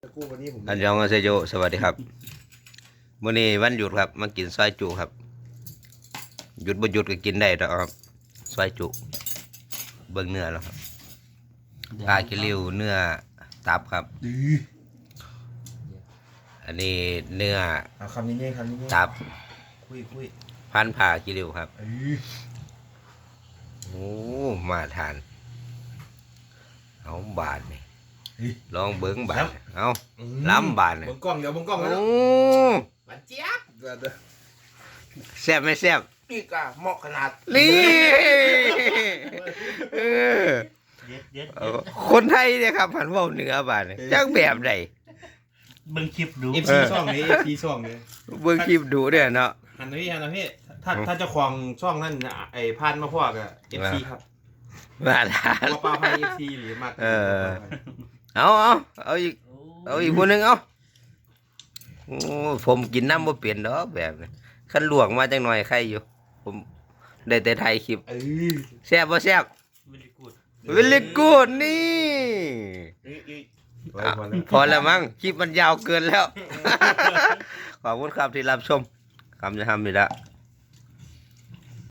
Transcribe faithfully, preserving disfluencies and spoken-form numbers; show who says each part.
Speaker 1: กู้วันนี้ผม
Speaker 2: อันยองอาเซโยสวัสดีครับมื้อนี้วันหยุดครับมากินซอยจุครับหยุดบ่หยุดก็กินได้แล้วครับซอยจุเบิ่งเนื้อแล้วครับปลาคิริวเนื้อตับครับ
Speaker 1: ดี
Speaker 2: อันนี้เนื้อ
Speaker 1: เอาคำนี้เนี่ยคำนี้เนี่ย
Speaker 2: ตับ
Speaker 1: คุยคุย
Speaker 2: พันผ่าคิริวครับ
Speaker 1: เอ้ย
Speaker 2: โอ้มาทานเอาบาทนี่ลองเบิ่งบาทเอาล้ำบาทนี่
Speaker 1: บนกล้องเดี๋ยวบนกล้อง
Speaker 2: โอ้
Speaker 1: แล้วหวานเจี๊ยบเดี๋ยวเดี๋ยว
Speaker 2: แซ่บไหมแซ่บ
Speaker 1: นี่ก็เหมาะขนาด
Speaker 2: นี่เออ
Speaker 3: เด็ดเด็ด
Speaker 2: เออคนไทยเนี่ยครับผันเว่าเหนือบาทนี่จักแบบใด
Speaker 3: เบิ่งคลิปดู
Speaker 1: เอฟซีช่องนี้เอฟซีช่องนี้
Speaker 2: เบิ่งคลิปดูเด้อเนาะ
Speaker 1: หันนะพี่หันนะพี่ถ้าถ้าเจ้าของช่องนั่นน่ะไอ้พันมาพ่อกับเอฟซีครับ
Speaker 2: มาทาน
Speaker 1: ตัวปลาไพเอฟซีหรือมาก
Speaker 2: เออ เอาเอาเอาอีกเอาอีกคนหนึงเอาโอ้ผมกินน้ำบ่เปลี่ยนดอกแบบนี้คันลวกมาจังหน่อยใครอยู่ ผมได้แต่ถ่ายคลิป
Speaker 1: เอ้ย
Speaker 2: แซ่บบ่แซ่บ
Speaker 3: ไม่ได้กูด
Speaker 2: เวลิกูดนี่
Speaker 1: อีกอีก
Speaker 2: อ่ะพอแล้วมั้งคลิปมันยาวเกินแล้ว ขอบคุณครับที่รับชมคำจะทำนี่ละ